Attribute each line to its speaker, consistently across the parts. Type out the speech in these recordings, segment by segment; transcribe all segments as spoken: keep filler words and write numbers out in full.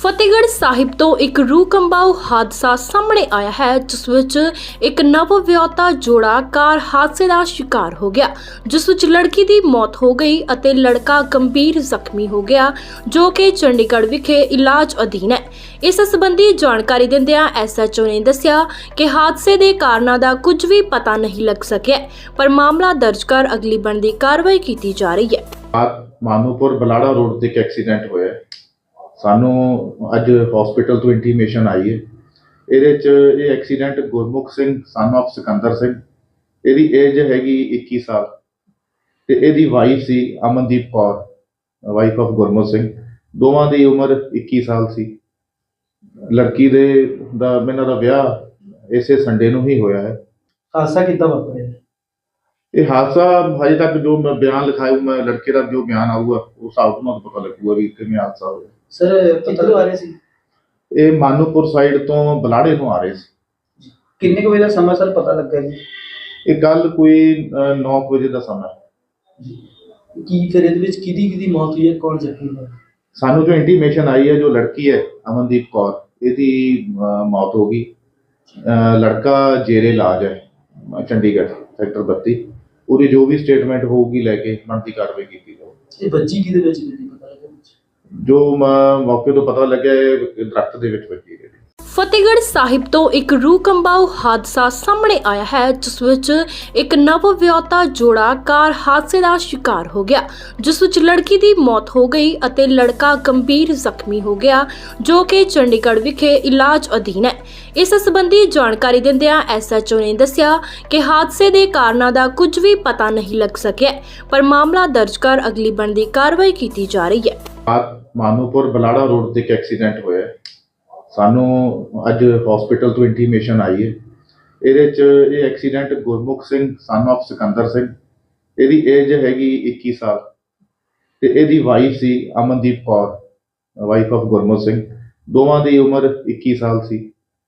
Speaker 1: ਫਤਿਹਗੜ੍ਹ ਸਾਹਿਬ ਤੋਂ ਇੱਕ ਰੂਹ ਕੰਬਾਊ ਹਾਦਸਾ ਸਾਹਮਣੇ ਆਇਆ ਹੈ, ਜਿਸ ਵਿੱਚ ਇੱਕ ਨਵ-ਵਿਆਹੁਤਾ ਜੋੜਾ ਕਾਰ ਹਾਦਸੇ ਦਾ ਸ਼ਿਕਾਰ ਹੋ ਗਿਆ, ਜਿਸ ਵਿੱਚ ਲੜਕੀ ਦੀ ਮੌਤ ਹੋ ਗਈ ਅਤੇ ਲੜਕਾ ਗੰਭੀਰ ਜ਼ਖਮੀ ਹੋ ਗਿਆ, ਜੋ ਕਿ ਚੰਡੀਗੜ੍ਹ ਵਿਖੇ ਇਲਾਜ ਅਧੀਨ ਹੈ। ਇਸ ਸੰਬੰਧੀ ਜਾਣਕਾਰੀ ਦਿੰਦਿਆਂ ਐਸ ਐਚ ਓ ਨੇ ਦੱਸਿਆ ਕਿ ਹਾਦਸੇ ਦੇ ਕਾਰਨਾਂ ਦਾ ਕੁਝ ਵੀ ਪਤਾ ਨਹੀਂ ਲੱਗ ਸਕਿਆ, ਪਰ ਮਾਮਲਾ ਦਰਜ ਕਰ ਅਗਲੀ ਬਣਦੀ ਕਾਰਵਾਈ ਕੀਤੀ ਜਾ ਰਹੀ ਹੈ।
Speaker 2: ਮਾਨੂਪੁਰ ਬਲਾੜਾ ਰੋਡ ਤੇ ਇੱਕ ਐਕਸੀਡੈਂਟ ਹੋਇਆ। ਸਾਨੂੰ ਅੱਜ ਹਸਪੀਟਲ ਤੋਂ ਇੰਟੀਮੇਸ਼ਨ ਆਈ ਹੈ। ਇਹਦੇ 'ਚ ਇਹ accident Gurmukh Singh son of Sikandar Singh, ਇਹਦੀ ਏਜ ਹੈਗੀ ਇੱਕੀ ਸਾਲ, ਤੇ ਇਹਦੀ ਵਾਈਫ ਸੀ ਅਮਨਦੀਪ ਕੌਰ, ਵਾਈਫ ਆਫ ਗੁਰਮੁਖ ਸਿੰਘ। ਦੋਵਾਂ ਦੀ ਉਮਰ ਇੱਕੀ ਸਾਲ ਸੀ। ਲੜਕੀ ਦੇ ਦਾ ਇਹਨਾਂ ਦਾ ਵਿਆਹ ਇਸੇ ਸੰਡੇ ਨੂੰ ਹੀ ਹੋਇਆ ਹੈ।
Speaker 3: ਹਾਦਸਾ ਕਿੱਦਾਂ ਵਾਪਰਿਆ?
Speaker 2: ਇਹ ਹਾਦਸਾ ਹਜੇ ਤੱਕ ਜੋ ਮੈਂ ਬਿਆਨ ਲਿਖਾਇਆ, ਮੈਂ ਲੜਕੇ ਦਾ ਜੋ ਬਿਆਨ ਆਊਗਾ ਉਸ ਹਿਸਾਬ ਨਾਲ ਪਤਾ ਲੱਗੂਗਾ ਵੀ ਕਿਵੇਂ ਹਾਦਸਾ ਹੋਇਆ।
Speaker 3: ਸਰ ਕਿੱਥੋਂ ਆ ਰਹੇ ਸੀ?
Speaker 2: ਇਹ ਮਾਨੂਪੁਰ ਸਾਈਡ ਤੋਂ ਬਲਾੜੇ ਨੂੰ ਆ ਰਹੇ ਸੀ।
Speaker 3: ਕਿੰਨੇ ਕੁ ਵਜੇ ਦਾ ਸਮਾਂ ਸਰ ਪਤਾ ਲੱਗਾ ਜੀ?
Speaker 2: ਇਹ ਗੱਲ ਕੋਈ ਨੌ ਵਜੇ ਦਾ ਸਮਾਂ ਹੈ।
Speaker 3: ਕੀ ਫਿਰ ਇਹਦੇ ਵਿੱਚ ਕਿਹਦੀ ਕਿਹਦੀ ਮੌਤ ਹੋਈ ਹੈ, ਕੌਣ ਜ਼ਖਮੀ ਹੋਇਆ?
Speaker 2: ਸਾਨੂੰ ਜੋ ਇੰਟੀਮੇਸ਼ਨ ਆਈ ਹੈ, ਜੋ ਲੜਕੀ ਹੈ ਅਮਨਦੀਪ ਕੌਰ, ਇਹਦੀ ਮੌਤ ਹੋ ਗਈ। ਲੜਕਾ ਜੇਰੇ ਇਲਾਜ ਹੈ ਚੰਡੀਗੜ੍ਹ ਸੈਕਟਰ ਬੱਤੀ। ਪੂਰੀ ਜੋ ਵੀ ਸਟੇਟਮੈਂਟ ਹੋਊਗੀ ਲੈ ਕੇ ਬਣਦੀ ਕਾਰਵਾਈ ਕੀਤੀ ਜਾਊਗੀ।
Speaker 3: ਇਹ ਬੱਚੀ ਕਿਹਦੇ ਵਿੱਚ ਨਹੀਂ ਪਤਾ ਲੱਗਾ?
Speaker 2: ਜੋ ਮੌਕੇ ਤੋਂ ਪਤਾ ਲੱਗਿਆ ਇਹ ਦਰਖਤ ਦੇ ਵਿੱਚ ਵੱਜੀ ਹੈ।
Speaker 1: ਫਤਿਹਗੜ੍ਹ ਸਾਹਿਬ ਤੋਂ ਇੱਕ ਰੂਹ ਕੰਬਾਊ ਹਾਦਸਾ ਸਾਹਮਣੇ ਆਇਆ ਹੈ, ਜਿਸ ਵਿੱਚ ਇੱਕ ਨਵ-ਵਿਆਹੁਤਾ ਜੋੜਾ ਕਾਰ ਹਾਦਸੇ ਦਾ ਸ਼ਿਕਾਰ ਹੋ ਗਿਆ, ਜਿਸ ਵਿੱਚ ਲੜਕੀ ਦੀ ਮੌਤ ਹੋ ਗਈ ਅਤੇ ਲੜਕਾ ਗੰਭੀਰ ਜ਼ਖਮੀ ਹੋ ਗਿਆ, ਜੋ ਕਿ ਚੰਡੀਗੜ੍ਹ ਵਿਖੇ ਇਲਾਜ ਅਧੀਨ ਹੈ। ਇਸ ਸੰਬੰਧੀ ਜਾਣਕਾਰੀ ਦਿੰਦਿਆਂ ਐਸ ਐਚ ਓ ਨੇ ਦੱਸਿਆ ਕਿ ਹਾਦਸੇ ਦੇ ਕਾਰਨਾਂ ਦਾ ਕੁਝ ਵੀ ਪਤਾ ਨਹੀਂ ਲੱਗ ਸਕਿਆ, ਪਰ ਮਾਮਲਾ ਦਰਜ ਕਰ ਅਗਲੀ ਬਣਦੀ ਕਾਰਵਾਈ ਕੀਤੀ ਜਾ ਰਹੀ ਹੈ।
Speaker 2: ਮਾਨੂਪੁਰ ਬਲਾੜਾ ਰੋਡ ਤੇ ਇੱਕ ਐਕਸੀਡੈਂਟ ਹੋਇਆ। ਸਾਨੂੰ ਅੱਜ ਹਸਪੀਟਲ ਤੋਂ ਇੰਟੀਮੇਸ਼ਨ ਆਈ ਹੈ। ਇਹਦੇ 'ਚ ਇਹ accident Gurmukh Singh son of Sikandar Singh, ਇਹਦੀ ਏਜ ਹੈਗੀ ਇੱਕੀ ਸਾਲ, ਤੇ ਇਹਦੀ ਵਾਈਫ ਸੀ ਅਮਨਦੀਪ ਕੌਰ, ਵਾਈਫ ਆਫ ਗੁਰਮੁਖ ਸਿੰਘ। ਦੋਵਾਂ ਦੀ ਉਮਰ ਇੱਕੀ ਸਾਲ ਸੀ।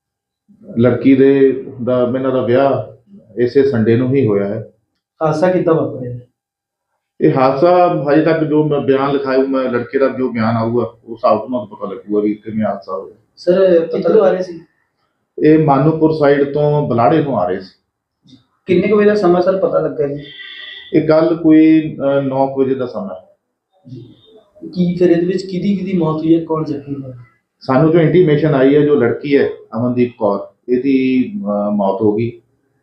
Speaker 2: ਲੜਕੀ ਦੇ ਦਾ ਇਹਨਾਂ ਦਾ ਵਿਆਹ ਇਸੇ ਸੰਡੇ ਨੂੰ ਹੀ ਹੋਇਆ ਹੈ।
Speaker 3: ਹਾਦਸਾ ਕਿੱਦਾਂ ਵਾਪਰਿਆ?
Speaker 2: ਇਹ ਹਾਦਸਾ ਹਜੇ ਤੱਕ ਜੋ ਮੈਂ ਬਿਆਨ ਲਿਖਾਇਆ, ਮੈਂ ਲੜਕੇ ਦਾ ਜੋ ਬਿਆਨ ਆਊਗਾ ਉਸ ਹਿਸਾਬ ਨਾਲ ਪਤਾ ਲੱਗੂਗਾ ਵੀ ਕਿਵੇਂ ਹਾਦਸਾ ਹੋਇਆ।
Speaker 3: ਸਰ ਕਿੱਥੋਂ ਆ ਰਹੇ ਸੀ?
Speaker 2: ਇਹ ਮਾਨੂਪੁਰ ਸਾਈਡ ਤੋਂ ਬਲਾੜੇ ਨੂੰ ਆ ਰਹੇ ਸੀ।
Speaker 3: ਕਿੰਨੇ ਕੁ ਵਜੇ ਦਾ ਸਮਾਂ ਸਰ ਪਤਾ ਲੱਗਾ ਜੀ?
Speaker 2: ਇਹ ਗੱਲ ਕੋਈ ਨੌ ਵਜੇ ਦਾ ਸਮਾਂ ਹੈ।
Speaker 3: ਕੀ ਫਿਰ ਇਹਦੇ ਵਿੱਚ ਕਿਹਦੀ ਕਿਹਦੀ ਮੌਤ ਹੋਈ ਹੈ, ਕੌਣ ਜ਼ਖਮੀ ਹੋਇਆ? ਸਾਨੂੰ
Speaker 2: ਜੋ ਇੰਟੀਮੇਸ਼ਨ ਆਈ ਹੈ, ਜੋ ਲੜਕੀ ਹੈ ਅਮਨਦੀਪ ਕੌਰ, ਇਹਦੀ ਮੌਤ ਹੋ ਗਈ।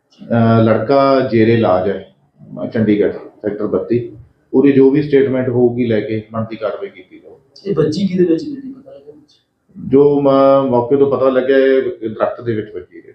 Speaker 2: ਲੜਕਾ ਜੇਰੇ ਇਲਾਜ ਹੈ ਚੰਡੀਗੜ੍ਹ ਸੈਕਟਰ ਬੱਤੀ। ਪੂਰੀ ਜੋ ਵੀ ਸਟੇਟਮੈਂਟ ਹੋਊਗੀ ਲੈ ਕੇ ਬਣਦੀ ਕਾਰਵਾਈ ਕੀਤੀ ਜਾਊਗੀ।
Speaker 3: ਇਹ ਬੱਚੀ ਕਿਹਦੇ ਵਿੱਚ ਨਹੀਂ ਪਤਾ ਲੱਗਾ?
Speaker 2: ਜੋ ਮੌਕੇ ਤੋਂ ਪਤਾ ਲੱਗਿਆ ਇਹ ਦਰਖਤ ਦੇ ਵਿੱਚ ਵੱਜੀ।